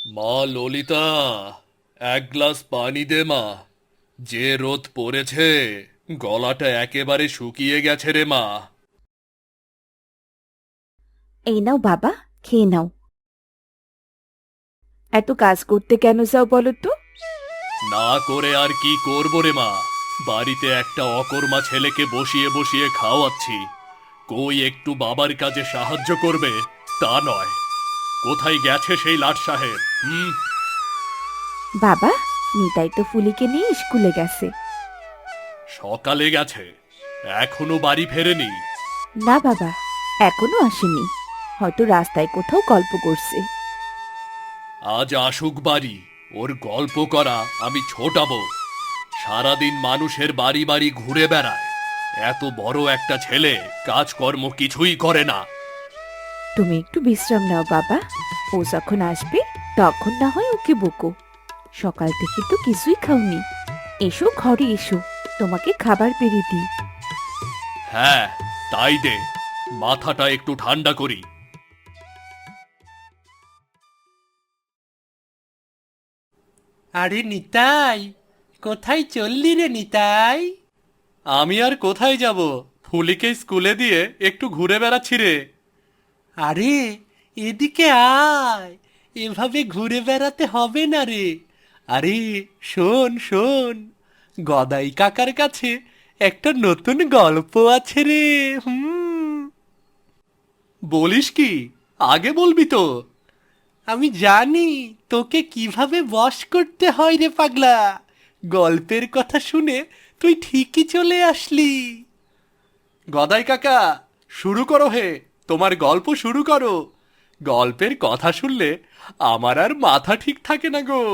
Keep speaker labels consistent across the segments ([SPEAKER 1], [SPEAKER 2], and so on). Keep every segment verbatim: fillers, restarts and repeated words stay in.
[SPEAKER 1] মা ললিতা, এক গ্লাস পানি দে মা। যে রোদ পড়েছে, গলাটা একেবারে শুকিয়ে গেছে রে মা।
[SPEAKER 2] এই নাও বাবা, খেয়ে নাও। এত কাজ করতে কেন যাও বলো তো?
[SPEAKER 1] না করে আর কি করব রে মা। বাড়িতে একটা অকর্মা ছেলেকে বসিয়ে বসিয়ে খাওয়াচ্ছি। কই একটু বাবার কাজে সাহায্য করবে, তা নয়। কোথায় গেছে সেই লাট সাহেব? হুম।
[SPEAKER 2] বাবা, নিতাই তো ফুলিকে নিয়ে স্কুলে গেছে।
[SPEAKER 1] সকালে গেছে, এখনো বাড়ি ফেরেনি?
[SPEAKER 2] না বাবা, এখনো আসেনি। হয়তো রাস্তায় কোথাও গল্প করছে।
[SPEAKER 1] আজ আসুক বাড়ি, ওর গল্প করা আমি ছোটাবো। সারাদিন মানুষের বাড়ি বাড়ি ঘুরে বেড়ায়। এত বড় একটা ছেলে কাজকর্ম কিছুই করে না।
[SPEAKER 2] তুমি একটু বিশ্রাম নাও বাবা। ও যখন আসবে তখন না হয় ওকে বকো। সকাল থেকে তো কিছুই খাওনি। এসো ঘরে এসো, তোমাকে খাবার বেড়ে দিই।
[SPEAKER 1] হ্যাঁ, তাই দে, মাথাটা একটু ঠান্ডা করি।
[SPEAKER 3] আরে নিতাই, কোথায় চললি রে নিতাই?
[SPEAKER 1] আমি আর কোথায় যাব? ফুলিকে স্কুলে দিয়ে একটু ঘুরে বেড়াচ্ছি রে।
[SPEAKER 3] আরে এদিকে আয়, এভাবে ঘুরে বেড়াতে হবে না রে। আরে শোন শোন, গদাই কাকার কাছে একটা নতুন গল্প আছে রে। হুম।
[SPEAKER 1] বলিস কি? আগে বলবি তো।
[SPEAKER 3] আমি জানি তোকে কিভাবে বশ করতে হয় রে পাগলা। গল্পের কথা শুনে তুই ঠিকই চলে আসলি।
[SPEAKER 1] গদাই কাকা, শুরু করো হে, তোমার গল্প শুরু করো। গল্পের কথা শুনলে আমার আর মাথা ঠিক থাকে না গো।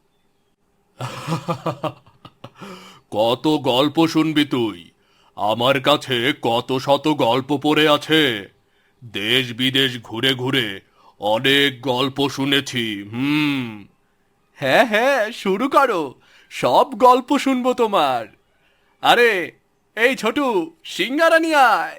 [SPEAKER 1] কত গল্প শুনবি তুই? আমার কাছে কত শত গল্প পড়ে আছে। দেশ বিদেশ ঘুরে ঘুরে অনেক গল্প শুনেছি। হুম। হ্যাঁ হ্যাঁ, শুরু করো, সব গল্প শুনবো তোমার। আরে, এই ছোটু, সিঙ্গারা নিয়ে আয়।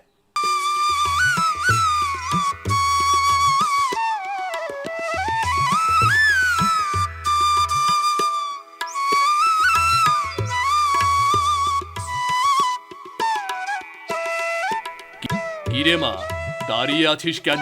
[SPEAKER 1] কিরে মা, দাঁড়িয়ে আছিস কেন?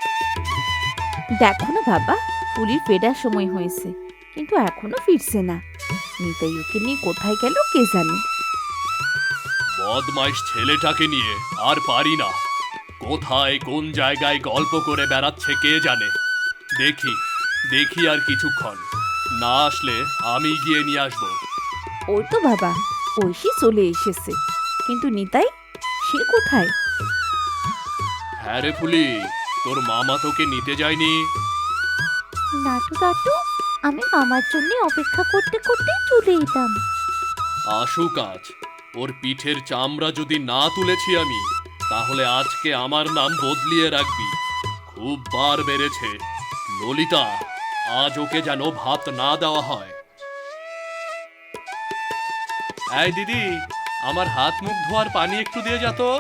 [SPEAKER 2] দেখো না বাবা, ফুলির ফেরার সময় হয়েছে, কিন্তু এখনো ফিরছে না। নিতাই ওকে নিয়ে কোথায় গেল কে জানে।
[SPEAKER 1] বদমাইশ ছেলেটাকে নিয়ে আর পারি না। কোথায় কোন জায়গায় গল্প করে বেড়াচ্ছে কে জানে। দেখি, দেখি আর কিছুক্ষণ। না আসলে আমি গিয়ে নিয়ে আসবো।
[SPEAKER 2] ওই তো বাবা, ঐশী চলে এসেছে। কিন্তু নিতাই, সে কোথায়?
[SPEAKER 1] হ্যাঁ রে ফুলি, তোর মামা তোকে নিতে যায়নি?
[SPEAKER 2] নাটু দাদু, আমি মামার জন্য অপেক্ষা করতে করতে চলে এলাম।
[SPEAKER 1] আসুক আজ। ওর পিঠের চামড়া যদি না তুলেছি আমি, তাহলে আজকে আমার নাম বদলিয়ে রাখবি। খুব বার বেড়েছে। ললিতা, আজ ওকে যেন ভাত না দেওয়া হয়। এই দিদি, আমার হাত মুখ ধোয়ার পানি একটু দিয়ে যা তো।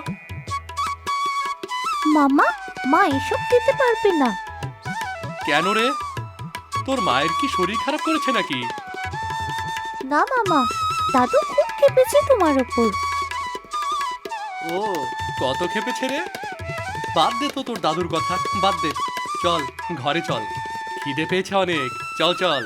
[SPEAKER 2] মামা, মা এসব দিতে পারবে না।
[SPEAKER 1] কেন রে? তোর মায়ের কি শরীর খারাপ করেছে নাকি?
[SPEAKER 2] না মামা, দাদু খুব খেপেছে তোমার ওপর।
[SPEAKER 1] ও, কত খেপেছে রে? বাদ দে তো তোর দাদুর কথা, বাদ দে। চল, ঘরে চল। খিদে পেয়েছে অনেক, চল চল।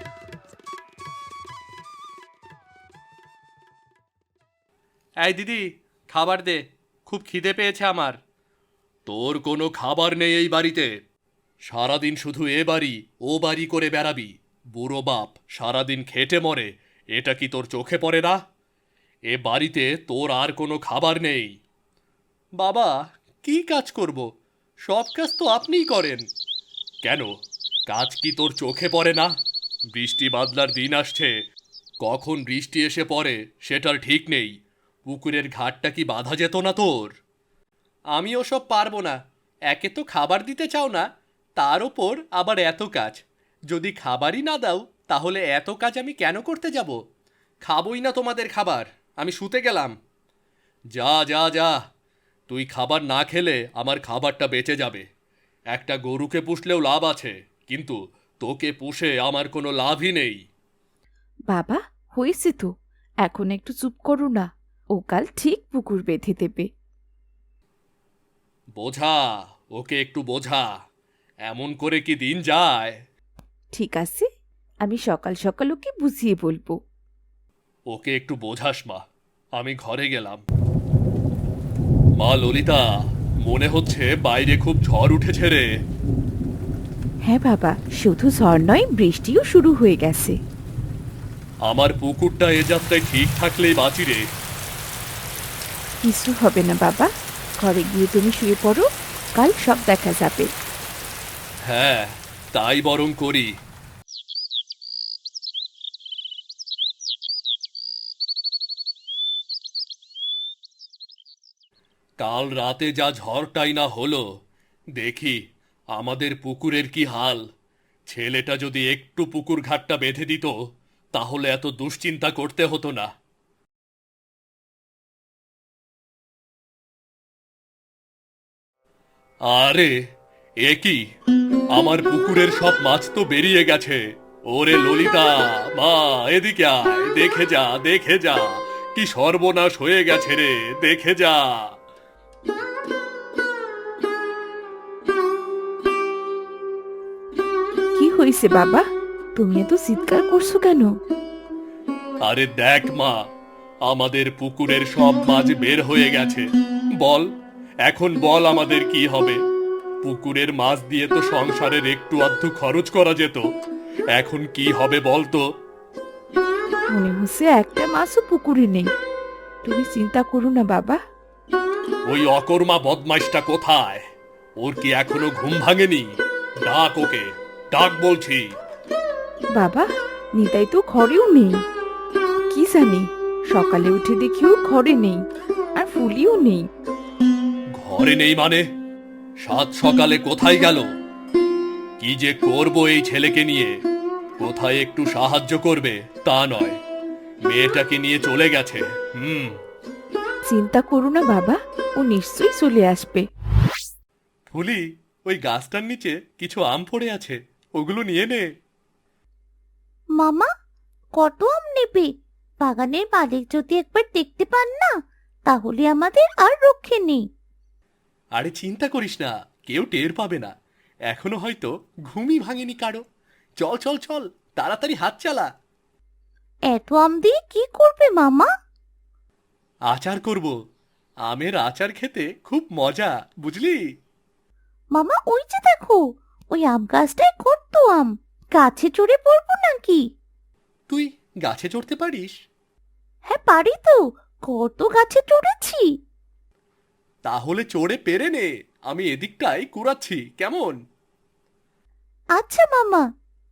[SPEAKER 1] এই দিদি, খাবার দে, খুব খিদে পেয়েছে আমার। তোর কোনো খাবার নেই এই বাড়িতে। সারাদিন শুধু এ বাড়ি ও বাড়ি করে বেড়াবি। বুড়ো বাপ সারাদিন খেটে মরে, এটা কি তোর চোখে পড়ে না? এ বাড়িতে তোর আর কোনো খাবার নেই। বাবা, কি কাজ করব? সব কাজ তো আপনিই করেন। কেন, কাজ কি তোর চোখে পড়ে না? বৃষ্টি বাদলার দিন আসছে, কখন বৃষ্টি এসে পড়ে সেটার ঠিক নেই। পুকুরের ঘাটটা কি বাঁধা যেত না তোর? আমি ওসব পারবো না। একে তো খাবার দিতে চাও না, তার ওপর আবার এত কাজ। যদি খাবারই না দাও, তাহলে এত কাজ আমি কেন করতে যাব? খাবই না তোমাদের খাবার, আমি শুতে গেলাম। যা যা যা, তুই খাবার না খেলে আমার খাবারটা বেঁচে যাবে। একটা গরুকে পুষলেও লাভ আছে, কিন্তু তোকে পুষে আমার কোনো লাভই নেই।
[SPEAKER 2] বাবা, হয়েছে তো, এখন একটু চুপ করো না। ও কাল ঠিক পুকুর বেঁধে দেবে।
[SPEAKER 1] বোঝা, ওকে একটু বোঝা। এমন করে কি দিন যায়?
[SPEAKER 2] ঠিক আছে, আমি সকাল সকাল ওকে বুঝিয়ে বলবো।
[SPEAKER 1] ওকে একটু বোঝাস মা। আমি ঘরে গেলাম। মা ললিতা, মনে হচ্ছে বাইরে খুব ঝড় উঠেছে রে।
[SPEAKER 2] হ্যাঁ বাবা, শুধু ঝড় নয়, বৃষ্টিও শুরু হয়ে গেছে।
[SPEAKER 1] আমার পুকুরটা এ যাত্রায় ঠিক থাকলেই বাঁচি রে।
[SPEAKER 2] কিছু হবে না বাবা, ঘরে গিয়ে তুমি শুয়ে পড়ো, কাল সব দেখা যাবে।
[SPEAKER 1] হ্যাঁ, তাই বরং করি। কাল রাতে যা ঝড়টাই না হলো, দেখি আমাদের পুকুরের কি হাল। ছেলেটা যদি একটু পুকুর ঘাটটা বেঁধে দিত, তাহলে এত দুশ্চিন্তা করতে হতো না। আরে, এ কি? আমার পুকুরের সব মাছ তো বেরিয়ে গেছে। ওরে ললিতা, মা এদিকে আয়, দেখে যা, দেখে যা, কি সর্বনাশ হয়ে গেছে রে, দেখে যা।
[SPEAKER 2] কি হয়েছে বাবা, তুমি এত চিৎকার করছো কেন?
[SPEAKER 1] আরে দেখ মা, আমাদের পুকুরের সব মাছ বের হয়ে গেছে। বল, এখন বল আমাদের কি হবে? পুকুরের মাছ দিয়ে তো সংসারের একটু আধটু খরচ করা যেত। এখন কি হবে বল তো?
[SPEAKER 2] মনে হচ্ছে একটা মাছও পুকুরে নেই। তুমি চিন্তা করো না বাবা।
[SPEAKER 1] ওই অকর্মা বদমাইশটা কোথায়? ওর কি এখনো ঘুম ভাঙেনি? ডাক ওকে, ডাক বলছি।
[SPEAKER 2] বাবা, নিতাই তো ঘরেও নেই। কি জানি, সকালে উঠে দেখিও ঘরে নেই, আর ফুলিও নেই।
[SPEAKER 1] ঘরে নেই মানে? সাত সকালে কোথায় গেল? কি যে করব এই ছেলেকে নিয়ে। কোথায় একটু সাহায্য করবে তা নয়, মেয়েটাকে নিয়ে চলে গেছে। হুম।
[SPEAKER 2] চিন্তা করো না বাবা, ও নিশ্চয়ই চলে আসবে।
[SPEAKER 1] ফুলি, ওই গাছটার নিচে কিছু আম পড়ে আছে, ওগুলো নিয়ে নে।
[SPEAKER 4] মামা, কত আম নেবে? বাগানের মালিক যদি একবার দেখতে পান না, তাহলে আমাদের আর রক্ষে নেই।
[SPEAKER 1] আরে চিন্তা করিস না, কেউ টের পাবে না। এখনো হয়তো ঘুমই ভাঙেনি কারো। চল চল চল, তাড়াতাড়ি হাত চালা।
[SPEAKER 4] এত আম দিয়ে কি করবে মামা?
[SPEAKER 1] আচার করব। আমের আচার খেতে খুব মজা, বুঝলি?
[SPEAKER 4] মামা, ওই যে দেখো, ওই আম গাছটায় কত আম। গাছে চড়ে পড়বো নাকি?
[SPEAKER 1] তুই গাছে চড়তে পারিস?
[SPEAKER 4] হ্যাঁ পারি তো, কত গাছে চড়েছি।
[SPEAKER 1] তাহলে চড়ে পেরে নে, আমি এদিকটাই কুড়াচ্ছি, কেমন?
[SPEAKER 4] আচ্ছা মামা।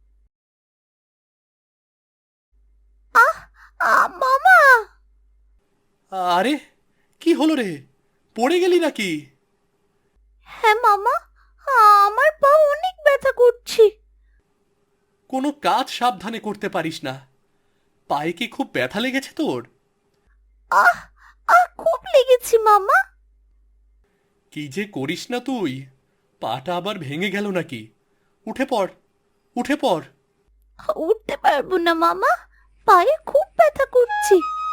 [SPEAKER 4] আহ আহ মামা!
[SPEAKER 1] আরে, কি হলো রে? পড়ে গেলি নাকি?
[SPEAKER 4] হ্যাঁ মামা, আমার পা অনেক ব্যথা করছে।
[SPEAKER 1] কোনো কাজ সাবধানে করতে পারিস না? পায়ে কি খুব ব্যথা লেগেছে তোর?
[SPEAKER 4] আহ আহ খুব লেগেছে মামা।
[SPEAKER 1] কি যে করিস না তুই, পাটা আবার ভেঙে গেল নাকি? উঠে পড়, উঠে পড়।
[SPEAKER 4] উঠতে পারবো না মামা, পায়ে খুব ব্যথা করছে।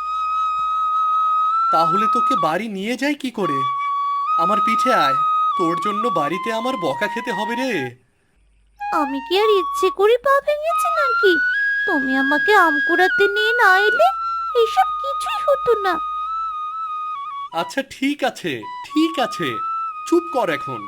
[SPEAKER 1] তাহলে তোকে বাড়ি নিয়ে যাই কি করে? আমার পিছে আয়, তোর জন্য বাড়িতে আমার বকা খেতে হবে রে।
[SPEAKER 4] আমি কি আর ইচ্ছে করে পা ভেঙেছি নাকি? তুমি আমাকে আম কুড়াতে নিয়ে না এলে এসব কিছুই হতো না।
[SPEAKER 1] আচ্ছা ঠিক আছে, ঠিক আছে, চুপ কর এখন।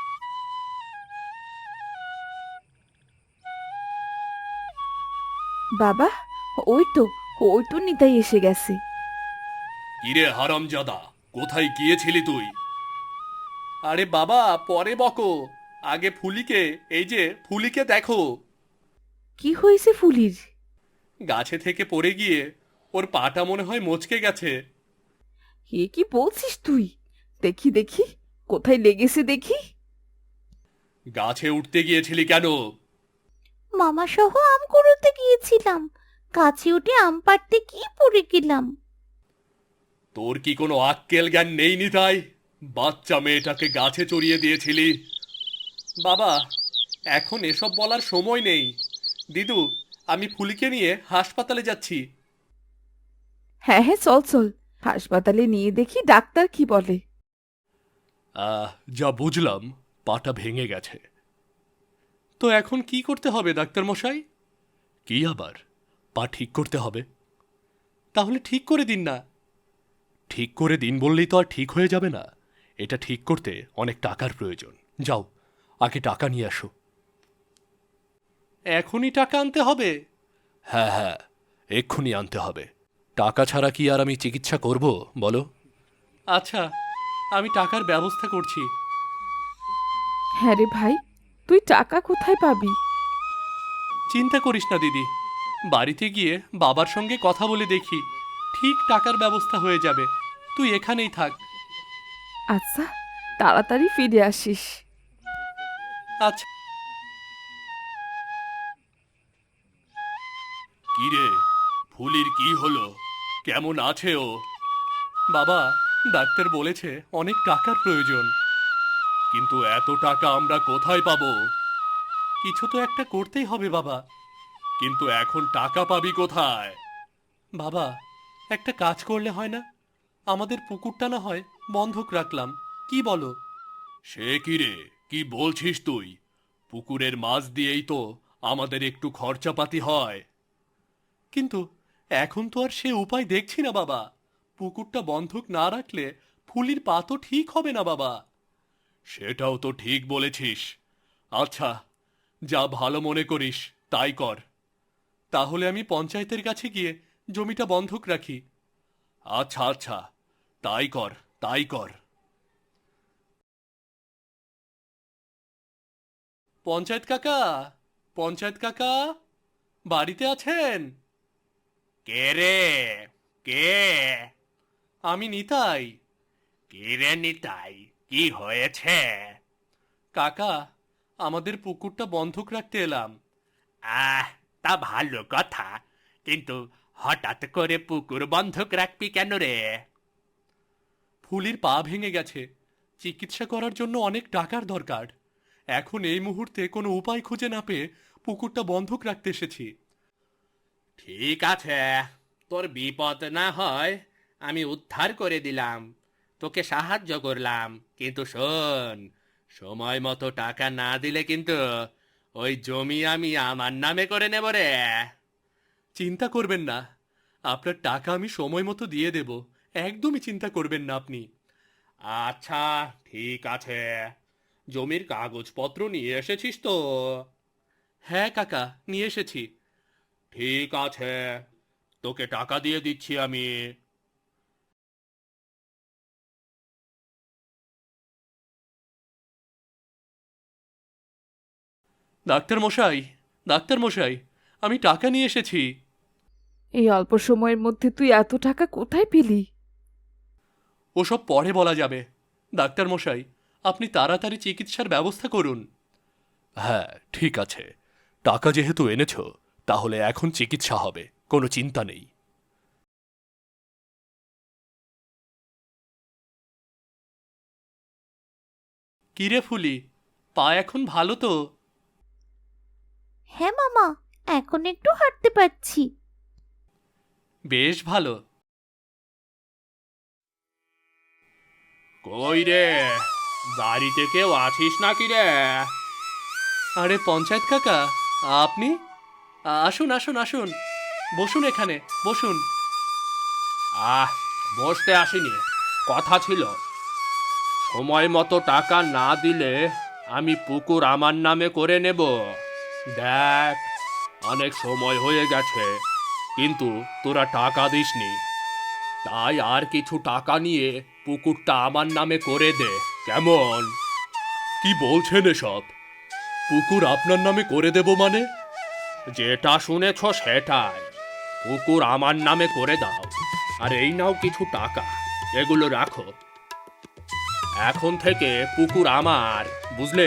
[SPEAKER 2] বাবা, ওই তো, ওই তো নিতাই এসে গেছে।
[SPEAKER 1] কিরে হারামজাদা, কোথায় গিয়েছিলি তুই? আরে বাবা, পরে বকো, আগে ফুলিকে, এই যে ফুলিকে দেখো।
[SPEAKER 2] কি হয়েছে ফুলির?
[SPEAKER 1] গাছে থেকে পড়ে গিয়ে ওর পাটা মনে হয় মচকে গেছে।
[SPEAKER 2] এ কি বলছিস তুই? দেখি দেখি, কোথায় লেগেছে দেখি।
[SPEAKER 1] গাছে উঠতে গিয়েছিলি কেন?
[SPEAKER 4] মামা সহ আম কুড়োতে গিয়েছিলাম, গাছে উঠে আম পাড়তে কি পড়ে গেলাম।
[SPEAKER 1] তোর কি কোনো আক্কেল জ্ঞান নেই নিতাই? বাচ্চা মেয়েটাকে গাছে চড়িয়ে দিয়েছিলি। বাবা, এখন এসব বলার সময় নেই। দিদু, আমি ফুলিকে নিয়ে হাসপাতালে যাচ্ছি।
[SPEAKER 2] হ্যাঁ হ্যাঁ চল চল, হাসপাতালে নিয়ে দেখি ডাক্তার কি বলে।
[SPEAKER 1] আহ যা বুঝলাম, পাটা ভেঙে গেছে। তো এখন কি করতে হবে ডাক্তার মশাই? কি আবার, পা ঠিক করতে হবে। তাহলে ঠিক করে দিন না। ঠিক করে দিন বললেই তো আর ঠিক হয়ে যাবে না। এটা ঠিক করতে অনেক টাকার প্রয়োজন। যাও, আগে টাকা নিয়ে আসো। এখনই টাকা আনতে হবে? হ্যাঁ হ্যাঁ, এক্ষুনি আনতে হবে। টাকা ছাড়া কি আর আমি চিকিৎসা করব বলো? আচ্ছা, আমি টাকার ব্যবস্থা করছি।
[SPEAKER 2] হ্যাঁ রে ভাই, তুই টাকা কোথায় পাবি?
[SPEAKER 1] চিন্তা করিস না দিদি, বাড়িতে গিয়ে বাবার সঙ্গে কথা বলে দেখি, ঠিক টাকার ব্যবস্থা হয়ে যাবে। তুই এখানেই থাক।
[SPEAKER 2] আচ্ছা, তাড়াতাড়ি ফিরে আসিস।
[SPEAKER 1] আচ্ছা। কিরে, ফুলির কি হলো? কেমন আছে ও? বাবা, ডাক্তার বলেছে অনেক টাকার প্রয়োজন। কিন্তু এত টাকা আমরা কোথায় পাবো? কিছু তো একটা করতেই হবে বাবা। কিন্তু এখন টাকা পাবি কোথায়? বাবা, একটা কাজ করলে হয় না? আমাদের পুকুরটা না হয় বন্ধক রাখলাম, কি বলো? সে কি রে, কি বলছিস তুই? পুকুরের মাছ দিয়েই তো আমাদের একটু খরচাপাতি হয়। কিন্তু এখন তো আর সে উপায় দেখছি না বাবা। পুকুরটা বন্ধক না রাখলে ফুলির পা তো ঠিক হবে না বাবা। সেটাও তো ঠিক বলেছিস। আচ্ছা, যা ভালো মনে করিস তাই কর। তাহলে আমি পঞ্চায়েতের কাছে গিয়ে জমিটা বন্ধক রাখি। আচ্ছা আচ্ছা, তাই কর, তাই কর। পঞ্চায়েত কাকা, পঞ্চায়েত কাকা, বাড়িতে আছেন? কে রে, কে? আমি নিতাই। কে রে নিতাই, কি হয়েছে? কাকা, আমাদের পুকুরটা বন্ধক রাখতে এলাম। আহ, তা ভালো কথা, কিন্তু হঠাৎ করে পুকুর বন্ধক রাখবি কেন রে? ফুলির পা ভেঙে গেছে, চিকিৎসা করার জন্য অনেক টাকার দরকার। এখন এই মুহূর্তে কোনো উপায় খুঁজে না পেয়ে পুকুরটা বন্ধক রাখতে এসেছি। ঠিক আছে, তোর বিপদ না হয় আমি উদ্ধার করে দিলাম, তোকে সাহায্য করলাম। কিন্তু শোন, সময় মতো টাকা না দিলে কিন্তু ওই জমি আমি আমার নামে করে নেব রে। চিন্তা করবেন না, আপনার টাকা আমি সময় মতো দিয়ে দেব। একদমই চিন্তা করবেন না আপনি। আচ্ছা, ঠিক আছে। জমির কাগজপত্র নিয়ে এসেছিস তো? হ্যাঁ কাকা, নিয়ে এসেছি। ঠিক আছে, তোকে টাকা দিয়ে দিচ্ছি আমি। ডাক্তার মশাই, ডাক্তার মশাই, আমি টাকা নিয়ে এসেছি।
[SPEAKER 2] এই অল্প সময়ের মধ্যে তুই এত টাকা কোথায় পেলি?
[SPEAKER 1] ওসব পরে বলা যাবে। ডাক্তার মশাই, আপনি তাড়াতাড়ি চিকিৎসার ব্যবস্থা করুন। হ্যাঁ, ঠিক আছে। টাকা যেহেতু এনেছ, তাহলে এখন চিকিৎসা হবে, কোনো চিন্তা নেই। কিরে ফুলি, পা এখন ভালো তো?
[SPEAKER 4] হ্যাঁ মামা, এখন একটু হাঁটতে পারছি।
[SPEAKER 1] বেশ ভালো। কই রে, বাড়িতে কেউ আছিস নাকি রে? আরে পঞ্চায়েত কাকা, আপনি? আসুন আসুন আসুন, বসুন এখানে, বসুন। আহ, বসতে আসিনি, কথা ছিল। সময় মতো টাকা না দিলে আমি পুকুর আমার নামে করে নেব। দেখ, অনেক সময় হয়ে গেছে, কিন্তু তোরা টাকা দিসনি। তাই আর কিছু টাকা নিয়ে পুকুরটা আমার নামে করে দে, কেমন? কি বলছেন এসব? পুকুর আপনার নামে করে দেব মানে? যেটা শুনেছ সেটাই। পুকুর আমার নামে করে দাও, আর এই নাও কিছু টাকা, এগুলো রাখো। এখন থেকে পুকুর আমার, বুঝলে?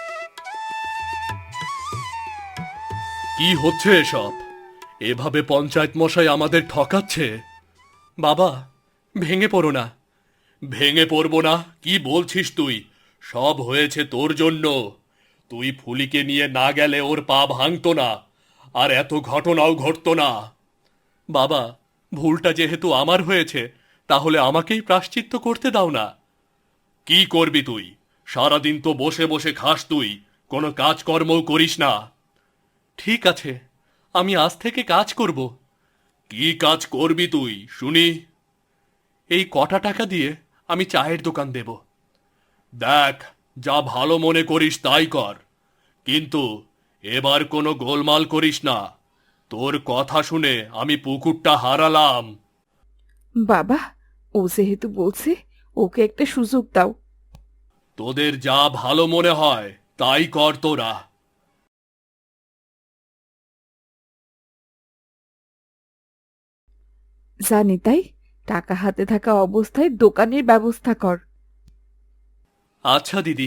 [SPEAKER 1] কি হচ্ছে এসব? এভাবে পঞ্চায়েত মশাই আমাদের ঠকাচ্ছে। বাবা, ভেঙে পড়ো না। ভেঙে পড়বো না? কি বলছিস তুই? সব হয়েছে তোর জন্য। তুই ফুলিকে নিয়ে না গেলে ওর পা ভাঙতো না, আর এত ঘটনাও ঘটতো না। বাবা, ভুলটা যেহেতু আমার হয়েছে, তাহলে আমাকেই প্রায়শ্চিত্ত করতে দাও না। কি করবি তুই? সারাদিন তো বসে বসে খাস, তুই কোনো কাজকর্মও করিস না। ঠিক আছে, আমি আজ থেকে কাজ করব। কি কাজ করবি তুই শুনি? এই কটা টাকা দিয়ে আমি চায়ের দোকান দেব। দেখ, যা ভালো মনে করিস তাই কর, কিন্তু এবার কোনো গোলমাল করিস না। তোর কথা শুনে আমি পুকুরটা হারালাম।
[SPEAKER 2] বাবা, ও যেহেতু বলছে, ওকে একটা সুযোগ দাও।
[SPEAKER 1] তোদের যা ভালো মনে হয় তাই কর তোরা।
[SPEAKER 2] জানি তাই, টাকা হাতে থাকা অবস্থায় দোকানের ব্যবস্থা কর।
[SPEAKER 1] আচ্ছা দিদি।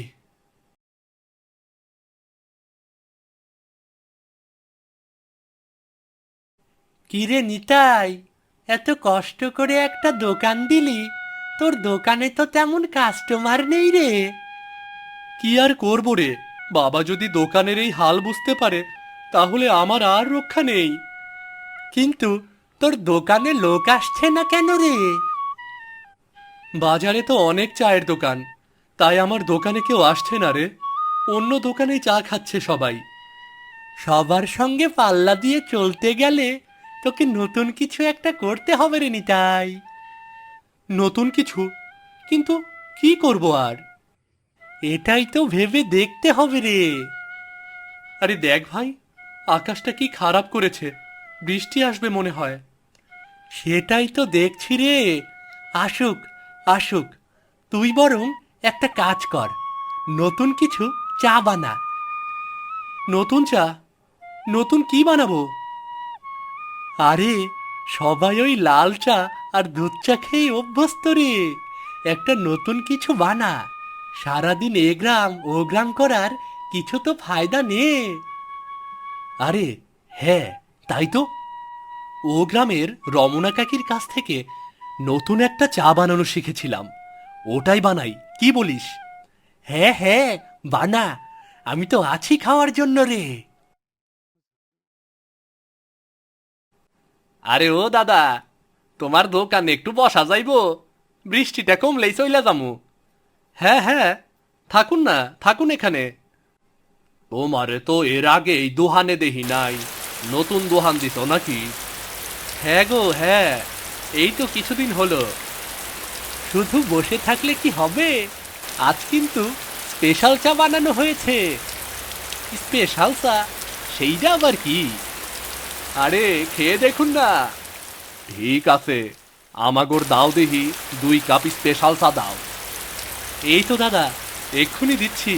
[SPEAKER 3] কিরে নিতাই, এত কষ্ট করে একটা দোকান দিলি, তোর দোকানে তো তেমন কাস্টমার নেই রে।
[SPEAKER 1] কি আর করবো রে, বাবা যদি দোকানের এই হাল বুঝতে পারে তাহলে আমার আর রক্ষা নেই।
[SPEAKER 3] কিন্তু তোর দোকানে লোক আসছে না কেন রে?
[SPEAKER 1] বাজারে তো অনেক চায়ের দোকান, তাই আমার দোকানে কেউ আসছে না রে। অন্য দোকানেই চা খাচ্ছে সবাই।
[SPEAKER 3] সবার সঙ্গে পাল্লা দিয়ে চলতে গেলে তোকে নতুন কিছু একটা করতে হবে রে নিতাই।
[SPEAKER 1] নতুন কিছু? কিন্তু কি করব আর?
[SPEAKER 3] এটাই তো ভেবে দেখতে হবে রে।
[SPEAKER 1] আরে দেখ ভাই, আকাশটা কি খারাপ করেছে, বৃষ্টি আসবে মনে হয়।
[SPEAKER 3] সেটাই তো দেখছি রে। আসুক আসুক, তুই বরং একটা কাজ কর, নতুন কিছু চা বানা।
[SPEAKER 1] নতুন চা? নতুন কি বানাবো?
[SPEAKER 3] আরে, সবাই ওই লাল চা আর দুধ চা খেয়ে অভ্যস্ত রে। একটা নতুন কিছু বানা। সারাদিন এ গ্রাম ও গ্রাম করার কিছু তো ফায়দা নে।
[SPEAKER 1] আরে হ্যাঁ, তাই তো। ও গ্রামের রমনা কাকির কাছ থেকে নতুন একটা চা বানানো শিখেছিলাম, ওটাই বানাই, কি বলিস?
[SPEAKER 3] হ্যাঁ হ্যাঁ, বানা, আমি তো আছি খাওয়ার জন্য রে।
[SPEAKER 1] আরে ও দাদা, তোমার দোকানে একটু বসা যাইবো? বৃষ্টিটা কমলেই চইলা যামু। হ্যাঁ হ্যাঁ, থাকুন না, থাকুন এখানে। তোমারে তো এর আগে এই দোহানে দেহি নাই, নতুন দোহান দিত নাকি? হ্যাঁ গো হ্যাঁ, এই তো কিছুদিন হলো।
[SPEAKER 3] শুধু বসে থাকলে কি হবে? আজ কিন্তু স্পেশাল চা বানানো হয়েছে।
[SPEAKER 1] স্পেশাল চা? সেইটা আবার কি? আরে খেয়ে দেখুন না। ঠিক আছে, আমাগোর দাও দেহি দুই কাপ স্পেশাল চা দাও। এই তো দাদা, এক্ষুনি দিচ্ছি।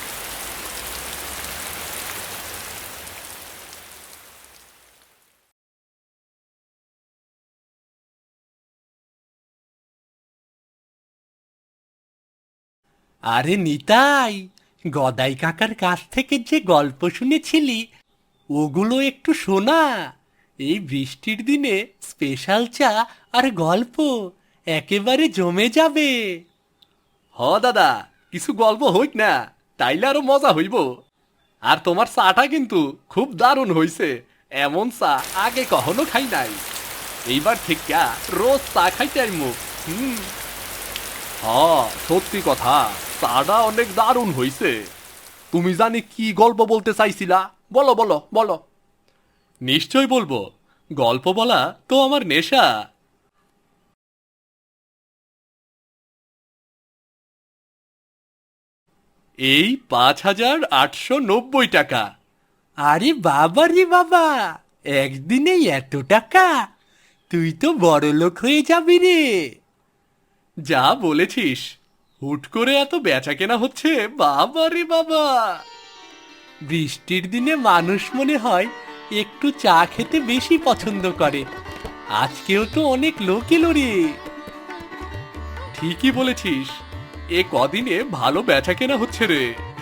[SPEAKER 3] আরে নিতাই, গদাই কাকার কাছ থেকে যে গল্প শুনেছিলি, ওগুলো একটু শোনা। এই বৃষ্টির দিনে স্পেশাল চা আর গল্প একেবারে জমে যাবে।
[SPEAKER 1] হ দাদা, কিছু গল্প হইক না, তাইলে আরো মজা হইব। আর তোমার চাটা কিন্তু খুব দারুণ হইছে, এমন চা আগে কখনো খাই নাই। এইবার ঠিক রোজ চা খাইতে আইমু। হুম, হ্যাঁ সত্যি কথা, চাটা অনেক দারুণ হইছে। তুমি জানি কি গল্প বলতে চাইছিলা? বলো বলো বলো। নিশ্চয় বলবো, গল্প বলা তো আমার নেশা। এই পাঁচ হাজার আটশো নব্বই টাকা।
[SPEAKER 3] আরে বাবা রে বাবা, একদিনেই এত টাকা! তুই তো বড় লোক হয়ে যাবি রে।
[SPEAKER 1] যা বলেছিস, হুট করে এত বেচা কেনা হচ্ছে, বাবা রে বাবা।
[SPEAKER 3] বৃষ্টির দিনে মানুষ মনে হয় একটু চা খেতে বেশি পছন্দ করে। আজকেও তো অনেক লোক এলো রে।
[SPEAKER 1] ঠিকই বলেছিস, এ কদিনে ভালো বেচা কেনা হচ্ছে রে।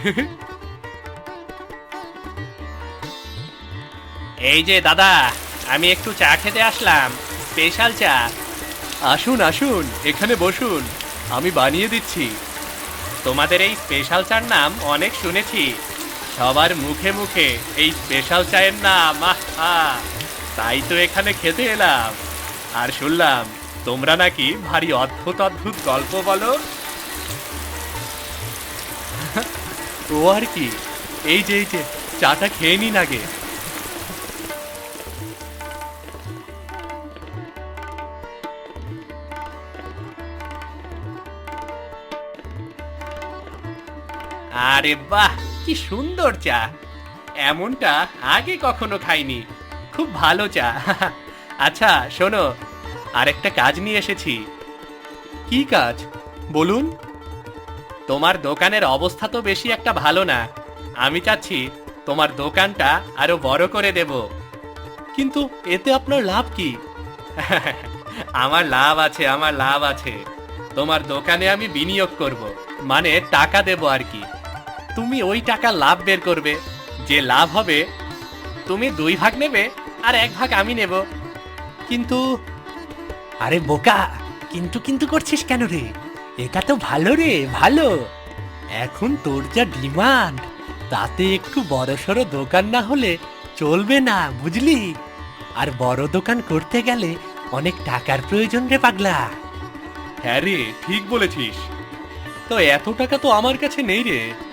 [SPEAKER 5] এই যে দাদা, আমি একটু চা খেতে আসলাম, স্পেশাল চা।
[SPEAKER 1] আসুন আসুন, এখানে বসুন, আমি বানিয়ে দিচ্ছি।
[SPEAKER 5] তোমাদের এই স্পেশাল চার নাম অনেক শুনেছি, সবার মুখে মুখে এই স্পেশাল চায়ের নাম, আহা! তাই তো এখানে খেতে এলাম। আর শুনলাম তোমরা নাকি ভারী অদ্ভুত অদ্ভুত গল্প বলো।
[SPEAKER 1] ও আর কি, এই যে এই যে চাটা খেয়ে নিন আগে।
[SPEAKER 5] আরে বাহ, কি সুন্দর চা! এমনটা আগে কখনো খাইনি। খুব ভালো চা। আচ্ছা শোনো, আরেকটা কাজ নিয়ে এসেছি।
[SPEAKER 1] কি কাজ বলুন?
[SPEAKER 5] তোমার দোকানের অবস্থা তো বেশি একটা ভালো না। আমি চাচ্ছি তোমার দোকানটা আরো বড় করে দেব।
[SPEAKER 1] কিন্তু এতে আপনার লাভ কি?
[SPEAKER 5] আমার লাভ আছে, আমার লাভ আছে। তোমার দোকানে আমি বিনিয়োগ করব, মানে টাকা দেব আর কি। তুমি ওই টাকা লাভ বের করবে, যে লাভ হবে তুমি দুই ভাগ নেবে আর এক ভাগ আমি নেব।
[SPEAKER 1] কিন্তু
[SPEAKER 3] আরে বোকা, কিন্তু কিন্তু করছিস কেন রে? এটা তো ভালো রে, ভালো। এখন তোর যা ডিমান্ড, তাতে একটু বড়সড় দোকান না হলে চলবে না, বুঝলি? আর বড় দোকান করতে গেলে অনেক টাকার প্রয়োজন রে পাগলা।
[SPEAKER 1] হ্যাঁ রে, ঠিক বলেছিস। তো এত টাকা তো আমার কাছে নেই রে।